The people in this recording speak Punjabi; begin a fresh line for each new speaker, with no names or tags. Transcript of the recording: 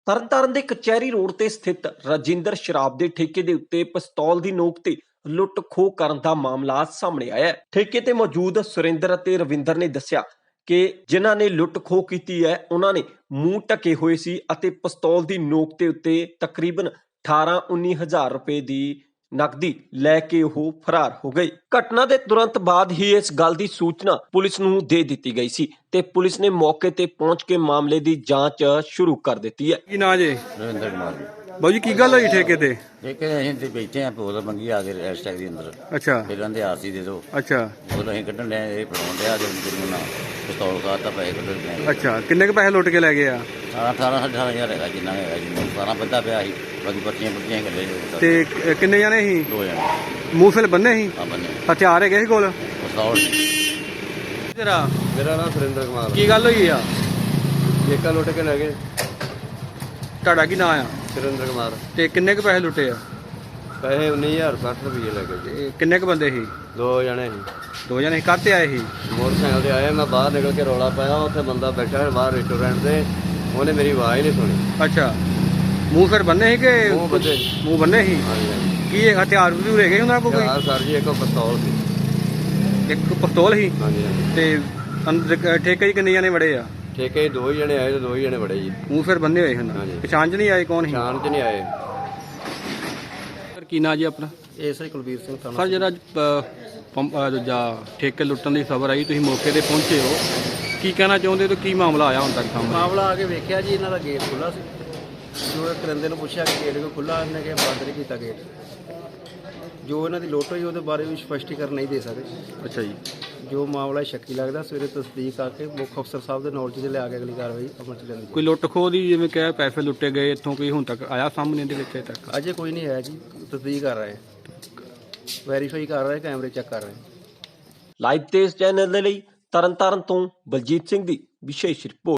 ਤਰਨਤਾਰਨ ਦੇ ਕਚਹਿਰੀ ਰੋਡ ਤੇ ਸਥਿਤ ਰਾਜਿੰਦਰ ਸ਼ਰਾਬ ਦੇ ਠੇਕੇ ਦੇ ਉੱਤੇ ਪਿਸਤੌਲ ਦੀ ਨੋਕ ਤੇ ਲੁੱਟ ਖੋਹ ਕਰਨ ਦਾ ਮਾਮਲਾ ਸਾਹਮਣੇ ਆਇਆ ਹੈ। ਠੇਕੇ ਤੇ ਮੌਜੂਦ ਸੁਰਿੰਦਰ ਅਤੇ ਰਵਿੰਦਰ ਨੇ ਦੱਸਿਆ ਕਿ ਜਿਨ੍ਹਾਂ ਨੇ ਲੁੱਟ ਖੋਹ ਕੀਤੀ ਹੈ ਉਹਨਾਂ ਨੇ ਮੂੰਹ ਢਕੇ ਹੋਏ ਸੀ ਅਤੇ ਪਿਸਤੌਲ ਦੀ ਨੋਕ ਦੇ ਉੱਤੇ ਤਕਰੀਬਨ 18-19 ਹਜ਼ਾਰ ਰੁਪਏ ਦੀ ਨਕਦੀ ਲੈ ਕੇ ਉਹ ਫਰਾਰ ਹੋ ਗਏ। ਘਟਨਾ ਦੇ ਤੁਰੰਤ ਬਾਅਦ ਹੀ ਇਸ ਗੱਲ ਦੀ ਸੂਚਨਾ ਪੁਲਿਸ ਨੂੰ ਦੇ ਦਿੱਤੀ ਗਈ ਸੀ ਤੇ ਪੁਲਿਸ ਨੇ ਮੌਕੇ ਤੇ ਪਹੁੰਚ ਕੇ ਮਾਮਲੇ ਦੀ ਜਾਂਚ ਸ਼ੁਰੂ ਕਰ ਦਿੱਤੀ ਹੈ।
ਕੀ ਨਾਂ ਜੇ?
ਰਵਿੰਦਰ ਕੁਮਾਰ
ਬਾਊ ਜੀ ਕੀ ਗੱਲ ਹੋਈ ਠੇਕੇ ਤੇ?
ਠੇਕੇ ਅਸੀਂ ਤੇ ਬੈਠੇ ਆ ਬੋਲ ਮੰਗੀ ਆ ਕੇ ਰੈਸਟੈਕ ਦੇ ਅੰਦਰ
ਅੱਛਾ
ਫਿਰ ਕਹਿੰਦੇ ਆਰਸੀ ਦੇ ਦਿਓ।
ਅੱਛਾ
ਬੋਲ ਅਸੀਂ ਕੱਢਣ ਲਿਆ ਇਹ ਫੜਾਉਣ ਲਿਆ ਤੇ ਮੈਨੂੰ ਨਾ ਪਿਸਤੌਲ ਖਾਤਾ ਪੈਸੇ ਕੱਢਣ ਲਿਆ।
ਅੱਛਾ ਕਿੰਨੇ ਕੁ ਪੈਸੇ ਲੁੱਟ ਕੇ ਲੈ ਗਏ ਆ?
18,000 ਹੈਗਾ ਜਿੰਨਾ ਹੈਗਾ ਜੀ ਸਾਰਾ ਬੱਦਾ ਪਿਆ ਸੀ ਬਾਕੀ ਪਰਚੀਆਂ ਗੱਲੇ
ਤੇ ਕਿੰਨੇ ਜਾਣੇ ਸੀ?
2 ਜਣੇ
ਮੂੰਹ ਫਿਰ ਬੰਨੇ ਸੀ?
ਆ ਬੰਨੇ
ਹਥਿਆਰ ਹੈਗੇ ਸੀ ਕੋਲ?
ਪਿਸਤੌਲ
ਤੇਰਾ
ਮੇਰਾ ਨਾਮ ਸੁਰਿੰਦਰ ਕੁਮਾਰ
ਕੀ ਗੱਲ ਹੋਈ ਆ?
ਠੇਕਾ ਲੁੱਟ ਕੇ ਲੈ ਗਏ।
ਤੁਹਾਡਾ ਕੀ ਨਾਂ ਆ?
ਸੁਰਿੰਦਰ ਕੁਮਾਰ
ਤੇ ਕਿੰਨੇ ਕੁ ਪੈਸੇ ਲੁੱਟੇ ਆ?
ਪੈਸੇ 19,060 ਰੁਪਏ ਲੈ ਗਏ ਜੀ।
ਤੇ ਕਿੰਨੇ ਕੁ ਬੰਦੇ ਸੀ?
2 ਜਣੇ ਸੀ।
2 ਜਣੇ ਕਾਹਤੇ ਆਏ ਸੀ?
ਮੋਟਰਸਾਈਕਲ ਤੇ ਆਏ, ਮੈਂ ਬਾਹਰ ਨਿਕਲ ਕੇ ਰੌਲਾ ਪਾਇਆ, ਉੱਥੇ ਬੰਦਾ ਬੈਠਾ ਬਾਹਰ ਰੈਸਟੋਰੈਂਟ ਤੇ, ਉਹਨੇ ਮੇਰੀ ਆਵਾਜ਼ ਨਹੀਂ ਸੁਣੀ।
ਅੱਛਾ ਮੂੰਹ ਫਿਰ ਬੰਨੇ ਸੀ ਕਿ?
ਮੂੰਹ ਬੰਨੇ।
ਮੂੰਹ ਬੰਨੇ ਸੀ।
ਹਾਂਜੀ ਹਾਂਜੀ।
ਕੀ ਹਥਿਆਰ ਵੀ ਹੈਗੇ ਸੀ ਉਹਨਾਂ ਕੋਲ ਕੋਈ?
ਯਾਰ ਸਰ ਜੀ ਇੱਕ ਪਿਸਤੌਲ ਸੀ।
ਇੱਕ ਪਿਸਤੌਲ ਸੀ?
ਹਾਂਜੀ ਹਾਂਜੀ।
ਤੇ ਅੰਦਰ ਠੇਕੇ 'ਚ ਕਿੰਨੇ ਜਾਣੇ ਵੜੇ ਆ?
ਠੇਕੇ 'ਚ 2 ਜਣੇ ਆਏ ਤੇ 2 ਜਣੇ ਬੜੇ ਜੀ।
ਮੂੰਹ ਫਿਰ ਬੰਨੇ ਹੋਏ ਹਨ।
ਹਾਂਜੀ।
ਪਛਾਣ 'ਚ ਨਹੀਂ ਆਏ ਕੌਣ ਸੀ?
ਸ਼ਾਨ 'ਚ ਨਹੀਂ ਆਏ।
ਸਰ ਕੀ ਨਾਂ ਜੀ ਆਪਣਾ?
ਐਸਆਈ ਕੁਲਵੀਰ ਸਿੰਘ
ਸਰ ਜਿਹੜਾ ਦੂਜਾ ਠੇਕੇ ਲੁੱਟਣ ਦੀ ਖਬਰ ਆਈ, ਤੁਸੀਂ ਮੌਕੇ ਤੇ ਪਹੁੰਚੇ ਹੋ, ਕੀ ਕਹਿਣਾ ਚਾਹੁੰਦੇ ਹੋ? ਕੀ ਮਾਮਲਾ ਆਇਆ ਹੁਣ ਤੱਕ ਸਾਹਮਣੇ?
ਮਾਮਲਾ ਆ ਕੇ ਵੇਖਿਆ ਜੀ, ਇਹਨਾਂ ਦਾ ਗੇਟ ਖੁੱਲ੍ਹਾ ਸੀ। ਜੋ ਇਹ ਕਰਿੰਦੇ ਨੂੰ ਪੁੱਛਿਆ ਕਿ ਗੇਟ ਕਿਉਂ ਖੁੱਲ੍ਹਾ, ਇਹਨੇ ਕਿਹਾ ਬੰਦ ਨਹੀਂ ਕੀਤਾ ਗੇਟ। ਜੋ ਇਹਨਾਂ ਦੀ ਲੁੱਟ ਹੋਈ ਉਹਦੇ ਬਾਰੇ ਵੀ ਸਪਸ਼ਟੀਕਰਨ ਨਹੀਂ ਦੇ ਸਕਦੇ।
ਅੱਛਾ ਜੀ।
ਜੋ ਮਾਮਲਾ ਸ਼ੱਕੀ ਲੱਗਦਾ, ਸਵੇਰੇ ਤਸਦੀਕ ਆ ਕੇ ਮੁੱਖ ਅਫਸਰ ਸਾਹਿਬ ਦੇ ਨੌਲੇਜ 'ਚ ਲਿਆ ਕੇ ਅਗਲੀ ਕਾਰਵਾਈ ਅਮਲ 'ਚ ਲਿਆਂਦੀ।
ਕੋਈ ਲੁੱਟ ਖੋਹ ਦੀ ਜਿਵੇਂ ਕਿ ਪੈਸੇ ਲੁੱਟੇ ਗਏ ਇੱਥੋਂ ਕੋਈ ਹੁਣ ਤੱਕ ਆਇਆ ਸਾਹਮਣੇ ਦੇ ਵਿੱਚ? ਤੱਕ
ਅਜੇ ਕੋਈ ਨਹੀਂ ਆਇਆ ਜੀ, ਤਸਦੀਕ ਕਰ ਰਹੇ, ਵੈਰੀਫਾਈ ਕਰ ਰਹੇ, ਕੈਮਰੇ ਚੈੱਕ ਕਰ ਰਹੇ।
ਲਾਈਵ ਤੇਜ਼ ਚੈਨਲ ਦੇ ਲਈ ਤਰਨਤਾਰਨ ਤੋਂ ਬਲਜੀਤ ਸਿੰਘ ਦੀ ਵਿਸ਼ੇਸ਼ ਰਿਪੋਰਟ।